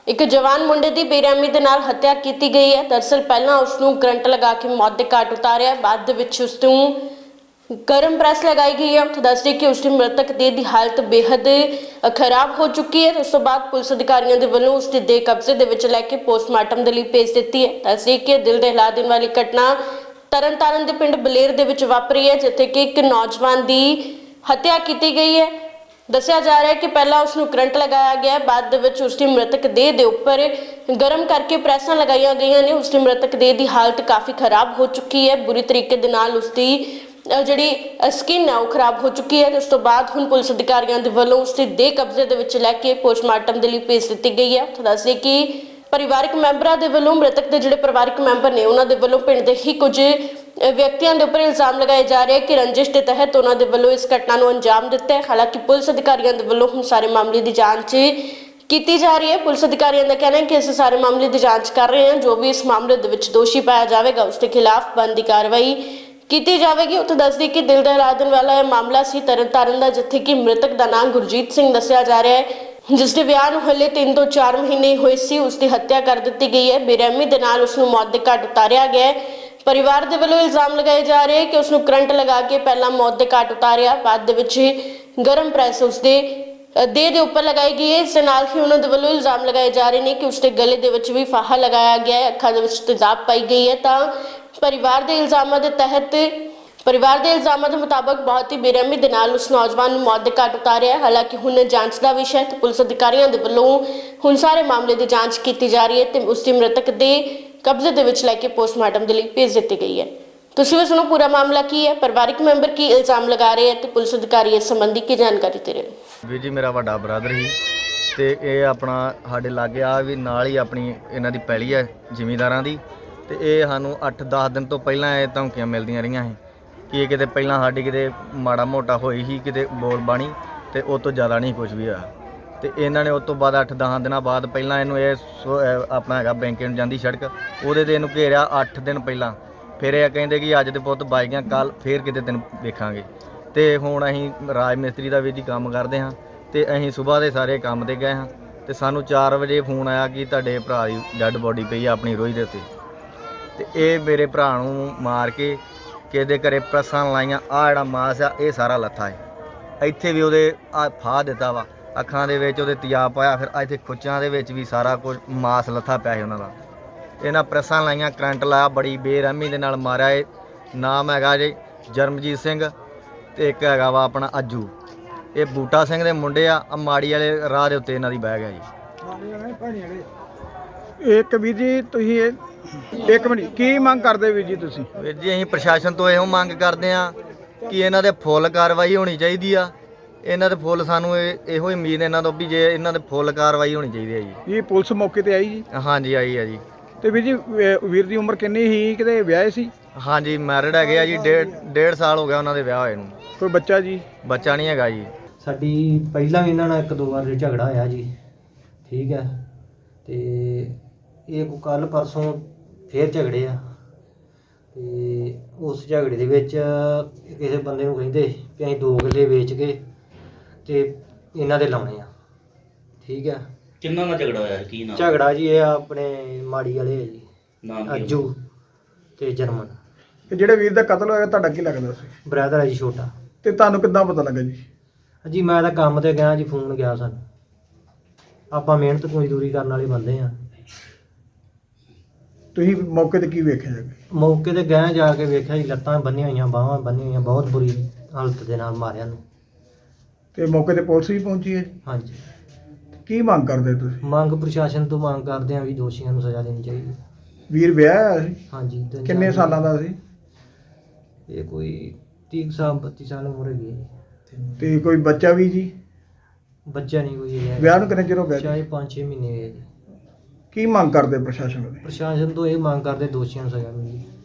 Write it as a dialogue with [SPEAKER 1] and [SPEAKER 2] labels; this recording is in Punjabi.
[SPEAKER 1] ਇੱਕ ਜਵਾਨ ਮੁੰਡੇ ਦੀ ਬੇਰਹਿਮੀ ਦੇ ਨਾਲ ਹੱਤਿਆ ਕੀਤੀ ਗਈ ਹੈ। ਦਰਅਸਲ ਪਹਿਲਾਂ ਉਸ ਨੂੰ ਕਰੰਟ ਲਗਾ ਕੇ ਮੌਤ ਦੇ ਘਾਟ ਉਤਾਰਿਆ, ਬਾਅਦ ਦੇ ਵਿੱਚ ਉਸ ਨੂੰ ਗਰਮ ਪ੍ਰੈਸ लगाई गई है। ਉੱਥੇ ਦੱਸਦੇ ਕਿ ਉਸ ਦੀ ਮ੍ਰਿਤਕ ਦੇਹ ਦੀ ਹਾਲਤ ਬੇहद ਖਰਾਬ ਹੋ ਚੁੱਕੀ ਹੈ। ਉਸ ਤੋਂ ਬਾਅਦ ਪੁਲਿਸ ਅਧਿਕਾਰੀਆਂ ਦੇ ਵੱਲੋਂ ਉਸ ਦੀ ਦੇਹ ਕਬਜ਼ੇ ਦੇ ਵਿੱਚ ਲੈ ਕੇ ਪੋਸਟਮਾਰਟਮ ਦੇ ਲਈ ਭੇਜ ਦਿੱਤੀ ਹੈ। ਦੱਸਦੇ ਕਿ ਦਿਲ ਦਹਿਲਾ ਦੇਣ ਵਾਲੀ ਘਟਨਾ ਤਰਨਤਾਰਨ ਦੇ ਪਿੰਡ ਬਲੇਰ ਦੇ ਵਿੱਚ ਵਾਪਰੀ ਹੈ, ਜਿੱਥੇ ਕਿ ਇੱਕ ਨੌਜਵਾਨ ਦੀ ਹੱਤਿਆ ਕੀਤੀ ਗਈ ਹੈ। ਦੱਸਿਆ ਜਾ ਰਿਹਾ ਹੈ ਕਿ ਪਹਿਲਾਂ ਉਸ ਨੂੰ ਕਰੰਟ ਲਗਾਇਆ ਗਿਆ, ਬਾਅਦ ਦੇ ਵਿੱਚ ਉਸ ਦੀ ਮ੍ਰਿਤਕ ਦੇਹ ਦੇ ਉੱਪਰ ਗਰਮ ਕਰਕੇ ਪ੍ਰੈਸਾਂ ਲਗਾਈਆਂ ਗਈਆਂ ਨੇ। ਉਸ ਦੀ ਮ੍ਰਿਤਕ ਦੇਹ ਦੀ ਹਾਲਤ ਕਾਫੀ ਖਰਾਬ ਹੋ ਚੁੱਕੀ ਹੈ, ਬੁਰੀ ਤਰੀਕੇ ਦੇ ਨਾਲ ਉਸ ਦੀ ਜਿਹੜੀ ਸਕਿਨ ਹੈ ਉਹ ਖਰਾਬ ਹੋ ਚੁੱਕੀ ਹੈ। ਉਸ ਤੋਂ ਬਾਅਦ ਹੁਣ ਪੁਲਿਸ ਅਧਿਕਾਰੀਆਂ ਦੇ ਵੱਲੋਂ ਉਸ ਦੀ ਦੇਹ ਕਬਜ਼ੇ ਦੇ ਵਿੱਚ ਲੈ ਕੇ ਪੋਸਟਮਾਰਟਮ ਦੇ ਲਈ ਭੇਜ ਦਿੱਤੀ ਗਈ ਹੈ। ਦੱਸਦੇ ਕਿ ਪਰਿਵਾਰਕ ਮੈਂਬਰਾਂ ਦੇ ਵੱਲੋਂ ਮ੍ਰਿਤਕ ਦੇ ਜਿਹੜੇ ਪਰਿਵਾਰਕ ਮੈਂਬਰ ਨੇ ਉਹਨਾਂ ਦੇ ਵੱਲੋਂ ਪਿੰਡ ਦੇ ਹੀ ਕੁਝ ਵਿਅਕਤੀਆਂ ਦੇ ਉੱਪਰ ਇਲਜ਼ਾਮ ਲਗਾਏ ਜਾ ਰਹੇ ਕਿ ਰੰਜਿਸ਼ ਦੇ ਤਹਿਤ ਉਹਨਾਂ ਦੇ ਵੱਲੋਂ ਇਸ ਘਟਨਾ ਨੂੰ ਅੰਜਾਮ ਦਿੱਤਾ ਹੈ। ਹਾਲਾਂਕਿ ਪੁਲਿਸ ਅਧਿਕਾਰੀਆਂ ਦੇ ਵੱਲੋਂ ਹੁਣ ਸਾਰੇ ਮਾਮਲੇ ਦੀ ਜਾਂਚ ਕੀਤੀ ਜਾ ਰਹੀ ਹੈ। ਪੁਲਿਸ ਅਧਿਕਾਰੀਆਂ ਦਾ ਕਹਿਣਾ ਹੈ ਕਿ ਇਸ ਸਾਰੇ ਮਾਮਲੇ ਦੀ ਜਾਂਚ ਕਰ ਰਹੇ ਹਨ। ਜੋ ਵੀ ਇਸ ਮਾਮਲੇ ਦੇ ਵਿੱਚ ਦੋਸ਼ੀ ਪਾਇਆ ਜਾਵੇਗਾ ਉਸ ਦੇ ਖਿਲਾਫ ਬਣਦੀ ਕਾਰਵਾਈ ਕੀਤੀ ਜਾਵੇਗੀ। ਉੱਥੇ ਦੱਸਦੀ ਕਿ ਦਿਲ ਦਹਿਲਾ ਦੇਣ ਵਾਲਾ ਇਹ ਮਾਮਲਾ ਸੀ ਤਰਨਤਾਰਨ ਦਾ, ਜਿੱਥੇ ਕਿ ਮ੍ਰਿਤਕ ਦਾ ਨਾਮ ਗੁਰਜੀਤ ਸਿੰਘ ਦੱਸਿਆ ਜਾ ਰਿਹਾ ਹੈ, ਜਿਸ ਦੇ ਵਿਆਹ ਨੂੰ ਹਲੇ 3 ਤੋਂ 4 ਮਹੀਨੇ ਹੋਏ ਸੀ। ਉਸ ਦੀ ਹੱਤਿਆ ਕਰ ਦਿੱਤੀ ਗਈ ਹੈ, ਬੇਰਹਿਮੀ ਦੇ ਨਾਲ ਉਸ ਨੂੰ ਮੌਤ ਦੇ ਘਾਟ ਉਤਾਰਿਆ ਗਿਆ ਹੈ। ਪਰਿਵਾਰ ਦੇ ਵੱਲੋਂ ਇਲਜ਼ਾਮ ਲਗਾਏ ਜਾ ਰਹੇ ਕਿ ਉਸ ਨੂੰ ਕਰੰਟ ਲਗਾ ਕੇ ਪਹਿਲਾਂ ਮੌਤ ਦੇ ਘਾਟ ਉਤਾਰਿਆ, ਬਾਅਦ ਦੇ ਵਿੱਚ ਗਰਮ ਪ੍ਰੈਸ ਉਸ ਦੇ ਦੇਹ ਦੇ ਉੱਪਰ ਲਗਾਈ ਗਈ ਹੈ। ਇਸ ਦੇ ਨਾਲ ਹੀ ਉਹਨਾਂ ਦੇ ਵੱਲੋਂ ਇਲਜ਼ਾਮ ਲਗਾਏ ਜਾ ਰਹੇ ਨੇ ਕਿ ਉਸ ਦੇ ਗਲੇ ਦੇ ਵਿੱਚ ਵੀ ਫਾਹਾ ਲਗਾਇਆ ਗਿਆ ਹੈ, ਅੱਖਾਂ ਦੇ ਵਿੱਚ ਤੇਜ਼ਾਬ ਪਾਈ ਗਈ ਹੈ। ਤਾਂ ਪਰਿਵਾਰ ਦੇ ਇਲਜ਼ਾਮਾਂ ਦੇ ਮੁਤਾਬਕ ਬਹੁਤ ਹੀ ਬੇਰਹਿਮੀ ਦੇ ਨਾਲ ਉਸ ਨੌਜਵਾਨ ਨੂੰ ਮੌਤ ਦੇ ਘਾਟ ਉਤਾਰਿਆ ਹੈ। ਹਾਲਾਂਕਿ ਹੁਣ ਜਾਂਚ ਦਾ ਵਿਸ਼ਾ ਹੈ ਤੇ ਪੁਲਿਸ ਅਧਿਕਾਰੀਆਂ ਦੇ ਵੱਲੋਂ ਹੁਣ ਸਾਰੇ ਮਾਮਲੇ ਦੀ ਜਾਂਚ ਕੀਤੀ ਜਾ ਰਹੀ ਹੈ ਤੇ ਉਸ ਦੀ ਮ੍ਰਿਤਕ ਦੇ ਕਬਜ਼ੇ ਦੇ ਵਿੱਚ ਲੈ ਕੇ ਪੋਸਟਮਾਰਟਮ ਦੇ ਲਈ ਭੇਜ ਦਿੱਤੀ ਗਈ ਹੈ। ਤੁਸੀਂ ਵੀ ਸੁਣੋ ਪੂਰਾ ਮਾਮਲਾ ਕੀ ਹੈ, ਪਰਿਵਾਰਕ ਮੈਂਬਰ ਕੀ ਇਲਜ਼ਾਮ ਲਗਾ ਰਹੇ ਹੈ ਤੇ ਪੁਲਿਸ ਅਧਿਕਾਰੀ ਇਸ ਸੰਬੰਧੀ ਕੀ ਜਾਣਕਾਰੀ ਦੇ ਰਹੇ ਨੇ।
[SPEAKER 2] ਵੀਰ ਜੀ ਮੇਰਾ ਵੱਡਾ ਬ੍ਰਦਰ ਸੀ ਤੇ ਇਹ ਆਪਣਾ ਸਾਡੇ ਲਾਗੇ ਆ ਵੀ ਨਾਲ ਹੀ ਆਪਣੀ ਇਹਨਾਂ ਦੀ ਪੈਲੀ ਹੈ ਜ਼ਿਮੀਂਦਾਰਾਂ ਦੀ, ਤੇ ਇਹ ਸਾਨੂੰ 8-10 ਦਿਨ ਤੋਂ ਪਹਿਲਾਂ ਇਹ ਧਮਕੀਆਂ ਮਿਲਦੀਆਂ ਰਹੀਆਂ ਸੀ ਕਿ ਕਿਤੇ ਪਹਿਲਾਂ ਸਾਡੀ ਕਿਤੇ ਮਾੜਾ ਮੋਟਾ ਹੋਈ ਸੀ ਕਿਤੇ ਬੋਲ ਬਾਣੀ, ਤੇ ਉਹ ਤੋਂ ਜ਼ਿਆਦਾ ਨਹੀਂ ਕੁਝ ਵੀ ਹੋਇਆ। ਤੇ ਇਹਨਾਂ ਨੇ ਉਸ ਤੋਂ ਬਾਅਦ 8-10 ਦਿਨਾਂ ਬਾਅਦ ਪਹਿਲਾਂ ਇਹਨੂੰ ਆਪਣਾ ਹੈਗਾ ਬੈਂਕੇ ਨੂੰ ਜਾਂਦੀ ਸੜਕ, ਉਹਦੇ ਤੇ ਇਹਨੂੰ ਘੇਰਿਆ 8 ਦਿਨ ਪਹਿਲਾਂ। ਫਿਰ ਇਹ ਕਹਿੰਦੇ ਕਿ ਅੱਜ ਦੇ ਪੁੱਤ ਬਾਈ ਗਿਆ, ਕੱਲ ਫੇਰ ਕਿਤੇ ਦਿਨ ਵੇਖਾਂਗੇ। ਤੇ ਹੁਣ ਅਸੀਂ ਰਾਜ ਮਿਸਤਰੀ ਦਾ ਵੀ ਜੀ ਕੰਮ ਕਰਦੇ ਹਾਂ, ਤੇ ਅਸੀਂ ਸਵੇਰ ਦੇ ਸਾਰੇ ਕੰਮ ਤੇ ਗਏ ਹਾਂ, ਤੇ ਸਾਨੂੰ 4 ਵਜੇ ਫੋਨ ਆਇਆ ਕਿ ਤੁਹਾਡੇ ਭਰਾ ਦੀ ਡੈੱਡ ਬੋਡੀ ਪਈ ਆ ਆਪਣੀ ਰੋਈ ਦੇ ਉੱਤੇ। ਤੇ ਇਹ ਮੇਰੇ ਭਰਾ ਨੂੰ ਮਾਰ ਕੇ ਕਿਸੇ ਦੇ ਘਰੇ ਪ੍ਰੈਸਾਂ ਲਾਈਆਂ, ਆਹ ਜਿਹੜਾ ਮਾਸ ਆ ਇਹ ਸਾਰਾ ਲੱਥਾ ਹੈ। ਇੱਥੇ ਵੀ ਉਹਦੇ ਆ ਫਾਹ ਦਿੱਤਾ ਵਾ, ਅੱਖਾਂ ਦੇ ਵਿੱਚ ਉਹਦੇ ਤਿਆਬ ਪਾਇਆ, ਫਿਰ ਇੱਥੇ ਖੁੱਚਾਂ ਦੇ ਵਿੱਚ ਵੀ ਸਾਰਾ ਕੁਝ ਮਾਸ ਲੱਥਾ ਪਿਆ ਸੀ ਉਹਨਾਂ ਦਾ। ਇਹਨਾਂ ਪ੍ਰੈਸਾਂ ਲਾਈਆਂ, ਕਰੰਟ ਲਾਇਆ, ਬੜੀ ਬੇਰਹਿਮੀ ਦੇ ਨਾਲ ਮਾਰਿਆ। ਇਹ ਨਾਮ ਹੈਗਾ ਜੀ ਜਰਮਜੀਤ ਸਿੰਘ ਤੇ ਇੱਕ ਹੈਗਾ ਵਾ ਆਪਣਾ ਅੱਜੂ। ਇਹ ਬੂਟਾ ਸਿੰਘ ਦੇ ਮੁੰਡੇ ਆ, ਮਾੜੀ ਵਾਲੇ ਰਾਹ ਦੇ ਉੱਤੇ ਇਹਨਾਂ ਦੀ ਬਹਿ ਗਿਆ ਜੀ।
[SPEAKER 3] ਇੱਕ ਵੀਰ ਜੀ ਤੁਸੀਂ ਇੱਕ ਮਿੰਟ ਕੀ ਮੰਗ ਕਰਦੇ ਵੀਰ ਜੀ ਤੁਸੀਂ?
[SPEAKER 2] ਵੀਰ ਜੀ ਅਸੀਂ ਪ੍ਰਸ਼ਾਸਨ ਤੋਂ ਇਹੋ ਮੰਗ ਕਰਦੇ ਆ ਕਿ ਇਹਨਾਂ ਦੇ ਫੁੱਲ ਕਾਰਵਾਈ ਹੋਣੀ ਚਾਹੀਦੀ ਆ। ਇਹਨਾਂ ਦੇ ਫੁੱਲ ਸਾਨੂੰ ਇਹੋ ਹੀ ਉਮੀਦ ਇਹਨਾਂ ਤੋਂ ਵੀ ਜੇ ਇਹਨਾਂ ਦੇ ਫੁੱਲ ਕਾਰਵਾਈ ਹੋਣੀ ਚਾਹੀਦੀ ਹੈ ਜੀ।
[SPEAKER 3] ਇਹ ਪੁਲਿਸ ਮੌਕੇ ਤੇ ਆਈ ਜੀ?
[SPEAKER 2] ਹਾਂਜੀ ਆਈ ਆ ਜੀ।
[SPEAKER 3] ਤੇ ਵੀਰ ਜੀ ਵੀਰ ਦੀ ਉਮਰ ਕਿੰਨੀ ਸੀ, ਕਿਤੇ ਵਿਆਹੇ ਸੀ?
[SPEAKER 2] ਹਾਂਜੀ ਮੈਰਿਡ ਹੈਗੇ ਆ ਜੀ, ਡੇਢ ਸਾਲ ਹੋ ਗਿਆ ਉਹਨਾਂ ਦੇ ਵਿਆਹ ਹੋਏ ਨੂੰ।
[SPEAKER 3] ਕੋਈ ਬੱਚਾ ਜੀ?
[SPEAKER 2] ਬੱਚਾ ਨਹੀਂ ਹੈਗਾ ਜੀ।
[SPEAKER 4] ਸਾਡੀ ਪਹਿਲਾਂ ਵੀ ਇਹਨਾਂ ਨਾਲ 1-2 ਵਾਰ ਝਗੜਾ ਹੋਇਆ ਜੀ, ਠੀਕ ਹੈ। ਤੇ ਇਹ ਕੱਲ ਪਰਸੋਂ ਫੇਰ ਝਗੜੇ ਆ, ਤੇ ਉਸ ਝਗੜੇ ਦੇ ਵਿੱਚ ਕਿਸੇ ਬੰਦੇ ਨੂੰ ਕਹਿੰਦੇ ਕਿ ਅਸੀਂ 2 ਕਿੱਲੇ ਵੇਚ ਕੇ ਤੇ ਇਹਨਾਂ ਦੇ ਲਾਉਣੇ ਆ, ਠੀਕ ਹੈ।
[SPEAKER 5] ਕਿੰਨਾ ਦਾ ਝਗੜਾ ਹੋਇਆ, ਕੀ ਨਾਮ
[SPEAKER 4] ਝਗੜਾ ਜੀ ਇਹ ਆਪਣੇ ਮਾੜੀ ਵਾਲੇ ਆ ਜੀ,
[SPEAKER 5] ਨਾਮ ਕੀ
[SPEAKER 4] ਅੱਜੂ ਤੇ ਜਰਮਨ।
[SPEAKER 3] ਤੇ ਜਿਹੜੇ ਵੀਰ ਦਾ ਕਤਲ ਹੋਇਆ ਤੁਹਾਡਾ ਕੀ ਲੱਗਦਾ ਸੀ?
[SPEAKER 4] ਬ੍ਰਦਰ ਹੈ ਜੀ ਛੋਟਾ।
[SPEAKER 3] ਤੇ ਤੁਹਾਨੂੰ ਕਿੱਦਾਂ ਪਤਾ ਲੱਗਾ ਜੀ?
[SPEAKER 4] ਜੀ ਮੈਂ ਤਾਂ ਕੰਮ ਤੇ ਗਿਆ ਜੀ, ਫੋਨ ਗਿਆ ਸਾਨੂੰ। ਆਪਾਂ ਮਿਹਨਤ ਮਜ਼ਦੂਰੀ ਕਰਨ ਵਾਲੇ ਬੰਦੇ ਆ।
[SPEAKER 3] ਤੁਸੀਂ ਮੌਕੇ ਤੇ ਕੀ ਵੇਖਿਆ ਜੀ?
[SPEAKER 4] ਮੌਕੇ ਤੇ ਗਏ, ਜਾ ਕੇ ਵੇਖਿਆ ਜੀ ਲੱਤਾਂ ਬੰਨੀਆਂ ਹੋਈਆਂ, ਬਾਹਾਂ ਬੰਨੀਆਂ ਹੋਈਆਂ, ਬਹੁਤ ਬੁਰੀ ਹਾਲਤ ਦੇ ਨਾਲ ਮਾਰਿਆ ਨੂੰ।
[SPEAKER 3] ਤੇ ਮੌਕੇ ਤੇ ਪੁਲਿਸ ਵੀ ਪਹੁੰਚੀ ਹੈ ਜੀ?
[SPEAKER 4] ਹਾਂਜੀ।
[SPEAKER 3] ਕੀ ਮੰਗ ਕਰਦੇ ਤੁਸੀਂ?
[SPEAKER 4] ਮੰਗ ਪ੍ਰਸ਼ਾਸਨ ਤੋਂ ਮੰਗ ਕਰਦੇ ਆ ਵੀ ਦੋਸ਼ੀਆਂ ਨੂੰ ਸਜ਼ਾ ਦੇਣੀ ਚਾਹੀਦੀ।
[SPEAKER 3] ਵੀਰ ਵਿਆਹਿਆ ਹੋਇਆ ਸੀ?
[SPEAKER 4] ਹਾਂਜੀ।
[SPEAKER 3] ਕਿੰਨੇ ਸਾਲਾਂ ਦਾ ਸੀ?
[SPEAKER 4] ਇਹ ਕੋਈ 30 ਸਾਲ 32 ਸਾਲ ਉਮਰ ਹੈਗੀ ਹੈ ਜੀ।
[SPEAKER 3] ਤੇ ਕੋਈ ਬੱਚਾ ਵੀ ਜੀ?
[SPEAKER 4] ਬੱਚਾ ਨਹੀਂ ਕੋਈ ਹੈ।
[SPEAKER 3] ਵਿਆਹ ਨੂੰ ਕਿੰਨੇ ਚਿਰ ਹੋ ਗਿਆ ਜੀ?
[SPEAKER 4] ਚਾਹੇ 5-6 ਮਹੀਨੇ ਹੋਏ ਜੀ।
[SPEAKER 3] ਕੀ ਮੰਗ ਕਰਦੇ ਪ੍ਰਸ਼ਾਸਨ ਦੇ?
[SPEAKER 4] ਪ੍ਰਸ਼ਾਸਨ ਤੋਂ ਇਹ ਮੰਗ ਕਰਦੇ ਦੋਸ਼ੀਆਂ ਨੂੰ ਸਜ਼ਾ ਮਿਲੇ।